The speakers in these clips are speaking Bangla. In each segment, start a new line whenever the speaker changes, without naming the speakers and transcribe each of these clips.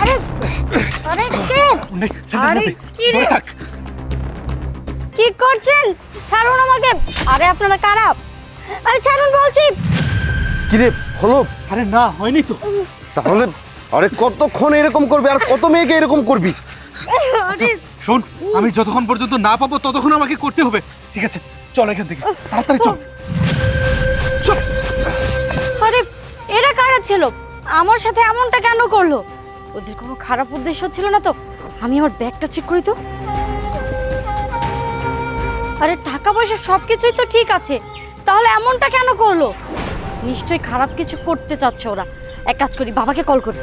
আরে আরে কে আরে কি রে
থাক।
কি করছেন? ছাড়ুন আমাকে। আরে আপনারা কারা? আরে ছাড়ুন বলছি।
কিরে হলো?
আরে না, হয়নি তো।
তাহলে আরে কতক্ষণ এরকম করবি আর কত মেয়েকে এরকম করবি?
আচ্ছা শোন, আমি যতক্ষণ পর্যন্ত না পাবো ততক্ষণ আমাকে করতে হবে, ঠিক আছে? চল এখান থেকে তাড়াতাড়ি চল। চল।
আরে এরা কারা ছিল? আমার সাথে এমনটা কেন করলো? ওদের কোনো খারাপ উদ্দেশ্য ছিল না তো? আমি আমার ব্যাগটা চেক করি তো। আরে টাকা পয়সা সবকিছুই তো ঠিক আছে, তাহলে এমনটা কেন করলো? নিশ্চয়ই খারাপ কিছু করতে চাচ্ছে ওরা। এক কাজ করি, বাবাকে কল করি।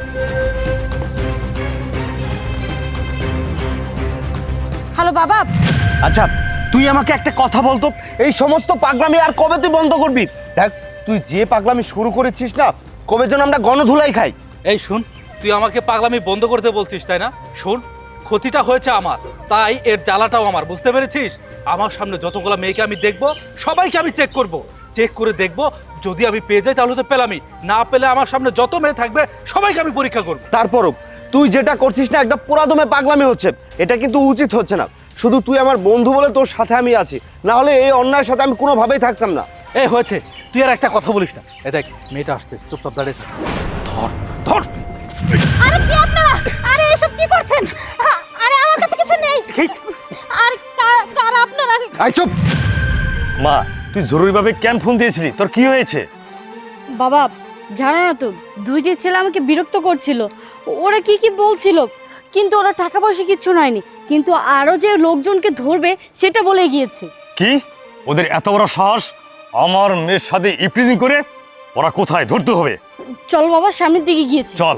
হ্যালো বাবা।
আচ্ছা তুই আমাকে একটা কথা বলতো, এই সমস্ত পাগলামি আর কবে তুই বন্ধ করবি? দেখ তুই যে পাগলামি শুরু করেছিস না, কবে যেন আমরা গণধুলাই খাই।
এই শুন, তুই আমাকে পাগলামি বন্ধ করতে বলছিস তাই না? শোন, ক্ষতিটা হয়েছে আমার, তাই এর জ্বালাটাও আমার, বুঝতে পেরেছিস? আমার সামনে যতগুলো মেয়েকে আমি দেখবো সবাইকে আমি চেক করব, চেক করে দেখবো, যদি আমি পেয়ে যাই তাহলে তো পেলামই, না পেলে আমার সামনে যত মেয়ে থাকবে সবাইকে আমি পরীক্ষা করব।
তারপরও তুই যেটা করছিস না, একটা পুরাদমে পাগলামি হচ্ছে, এটা কিন্তু উচিত হচ্ছে না। শুধু তুই আমার বন্ধু বলে তোর সাথে আমি আছি, না হলে এই অন্যায়ের সাথে আমি কোনোভাবেই থাকতাম না।
এই হয়েছে, তুই আর একটা কথা বলিস না। এ দেখ মেয়েটা আসছে, চুপচাপ দাঁড়িয়ে থাক। ধর ধর।
আরে কি আপনারা? আরে এসব কি করছেন? আরে আমার কাছে কিছু নেই। আর কারা আপনারা?
আই চুপ।
মা, তুই জরুরিভাবে কেন ফোন দিয়েছিলি? তোর কি হয়েছে?
বাবা জানো না তো, দুইটি ছেলে আমাকে বিরক্ত করছিল। ওরা কি কি বলছিল, কিন্তু ওরা টাকা পয়সা কিচ্ছু নয়নি, কিন্তু আরো যে লোকজনকে ধরবে সেটা বলে গিয়েছে।
কি? ওদের এত বড় সাহস আমার মেয়ের সাথে ইপ্রিজিং করে? ওরা কোথায়? ধরতে হবে।
চল বাবা, সামনের দিকে গিয়েছে।
চল।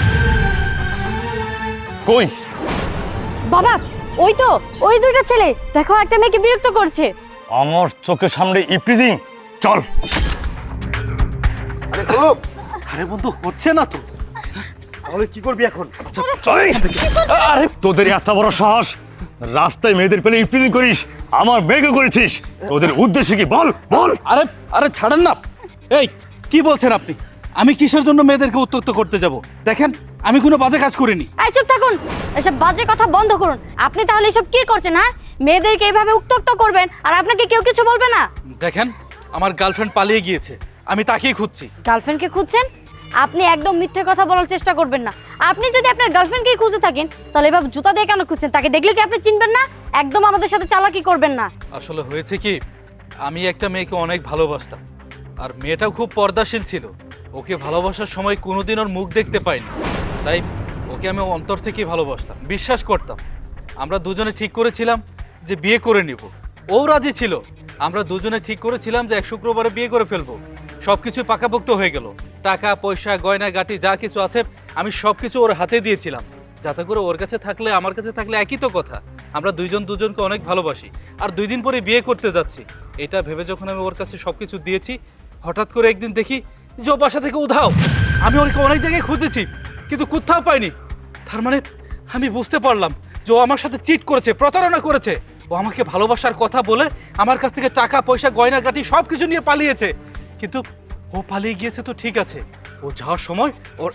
কই?
বাবা ওই তো, ওই দুইটা ছেলে, দেখো একটা মেয়েকে বিরক্ত করছে।
আমার চোখের সামনে ইপ্রিজিং? চল।
আরে হলো?
আরে বন্ধু, হচ্ছে না তো।
তাহলে কি করবি এখন?
আচ্ছা চল এখান থেকে। আরে তোদের এত বড় সাহস, রাস্তায় মেয়েদের পেলে ইপ্রিজিং করিস, আমার মেয়েকে করেছিস, তোদের উদ্দেশ্য কি বল বল।
আরে আরে ছাড়েন না। এই কি বলছেন আপনি? আমি কিসের জন্য মেয়েদেরকে উত্ত্যক্ত করতে যাব? দেখেন আমি কোনো বাজে কাজ করিনি।
এই চুপ থাকুন, এসব বাজে কথা বন্ধ করুন। আপনি তাহলে এসব কি করছেন? হ্যাঁ, মেয়েদেরকে এইভাবে উত্ত্যক্ত করবেন আর আপনাকে কেউ কিছু বলবে না?
দেখেন আমার গার্লফ্রেন্ড পালিয়ে গিয়েছে, আমি তাকেই খুঁজছি।
গার্লফ্রেন্ডকে খুঁজছেন? আপনি একদম মিথ্যে কথা বলার চেষ্টা করবেন না। আপনি যদি আপনার গার্লফ্রেন্ডকেই খুঁজে থাকেন, তাহলে এভাবে জুতা দিয়ে কেন খুঁজছেন? তাকে দেখলে কি আপনি চিনবেন না? একদম আমাদের সাথে চালাকি করবেন না।
আসলে হয়েছে কি, আমি একটা মেয়েকে অনেক ভালোবাসতাম, আর মেয়েটাও খুব পর্দাশীল ছিল। ওকে ভালোবাসার সময় কোনোদিন ওর মুখ দেখতে পাইনি, তাই ওকে আমি অন্তর থেকেই ভালোবাসতাম, বিশ্বাস করতাম। আমরা দুজনে ঠিক করেছিলাম যে বিয়ে করে নিব, ও রাজি ছিল। আমরা দুজনে ঠিক করেছিলাম যে এক শুক্রবারে বিয়ে করে ফেলবো। সব কিছু পাকাপোক্ত হয়ে গেল, টাকা পয়সা গয়না গাটি যা কিছু আছে আমি সব কিছু ওর হাতে দিয়েছিলাম, যাতে করে ওর কাছে থাকলে আমার কাছে থাকলে একই তো কথা। আমরা দুইজন দুজনকে অনেক ভালোবাসি, আর 2 দিন পরে বিয়ে করতে যাচ্ছি। এটা ভেবে যখন আমি ওর কাছে সব কিছু দিয়েছি, হঠাৎ করে একদিন দেখি যে ও বাসা থেকে উধাও। আমি ওকে অনেক জায়গায় খুঁজেছি কিন্তু কোথাও পাইনি। তার মানে আমি বুঝতে পারলাম যে ও আমার সাথে চিট করেছে, প্রতারণা করেছে। ও আমাকে ভালোবাসার কথা বলে আমার কাছ থেকে টাকা পয়সা গয়না গাটি সব কিছু নিয়ে পালিয়েছে। কিন্তু ও পালিয়ে গিয়েছে তো ঠিক আছে, ও যাওয়ার সময়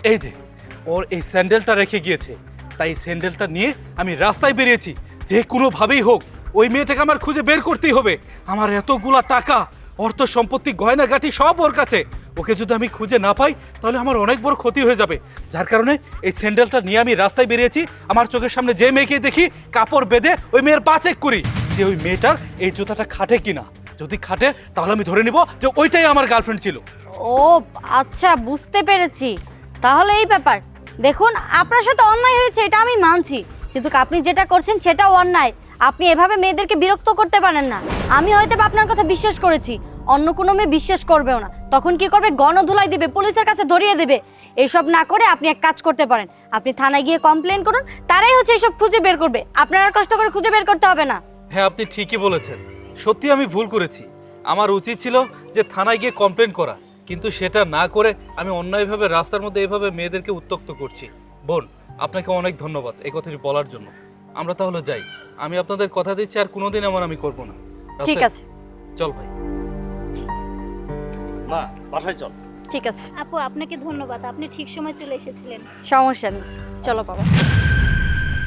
ওর এই স্যান্ডেলটা রেখে গিয়েছে। তাই এই স্যান্ডেলটা নিয়ে আমি রাস্তায় বেরিয়েছি, যে কোনোভাবেই হোক ওই মেয়েটাকে আমার খুঁজে বের করতেই হবে। আমার এতগুলা টাকা, অর্থ সম্পত্তি গয়না গাটি সব ওর কাছে। ওকে যদি আমি খুঁজে না পাই তাহলে আমার অনেক বড় ক্ষতি হয়ে যাবে। যার কারণে এই স্যান্ডেলটা নিয়ে আমি রাস্তায় বেরিয়েছি। আমার চোখের সামনে যে মেয়েকে দেখি কাপড় বেঁধে ওই মেয়ের পা চেক করি যে ওই মেয়েটার এই জুতাটা খাটে কিনা। যদি খাটে তাহলে আমি ধরে নিব যে ওইটাই আমার গার্লফ্রেন্ড ছিল।
ও আচ্ছা, বুঝতে পেরেছি। তাহলে এই ব্যাপার। দেখুন, আপনার সাথে অন্যায় হয়েছে, এটা আমি মানছি, কিন্তু আপনি যেটা করছেন সেটাও অন্যায়। আপনি এভাবে মেয়েদেরকে বিরক্ত করতে পারেন না। আমি হয়তো আপনার কথা বিশ্বাস করেছি, অন্য কোনো মেয়ে বিশ্বাস করবেও না। তখন কি করবে? গণধুলাই দিবে, পুলিশের কাছে ধরিয়ে দেবে। এসব না করে আপনি এক কাজ করতে পারেন, আপনি থানায় গিয়ে কমপ্লেন করুন, তারাই হচ্ছে এসব খুঁজে বের করবে। আপনার আর কষ্ট করে খুঁজে বের করতে হবে না।
হ্যাঁ আপনি ঠিকই বলেছেন, সত্যি আমি ভুল করেছি। আমার উচিত ছিল যে থানায় গিয়ে কমপ্লেন করা, কিন্তু সেটা না করে আমি অন্যায়ভাবে রাস্তার মধ্যে এভাবে মেয়েদেরকে উত্ত্যক্ত করছি। বোন, আপনাকে অনেক ধন্যবাদ এই কথাটি বলার জন্য। আমরা তাহলে যাই, আমি আপনাদের কথা দিচ্ছি আর কোনোদিন এমন আমি করব না।
ঠিক আছে,
চল ভাই।
মা বাসায় চল।
ঠিক আছে,
আপু আপনাকে ধন্যবাদ, আপনি ঠিক সময় চলে এসেছিলেন।
সমস্যা নেই, চলো বাবা।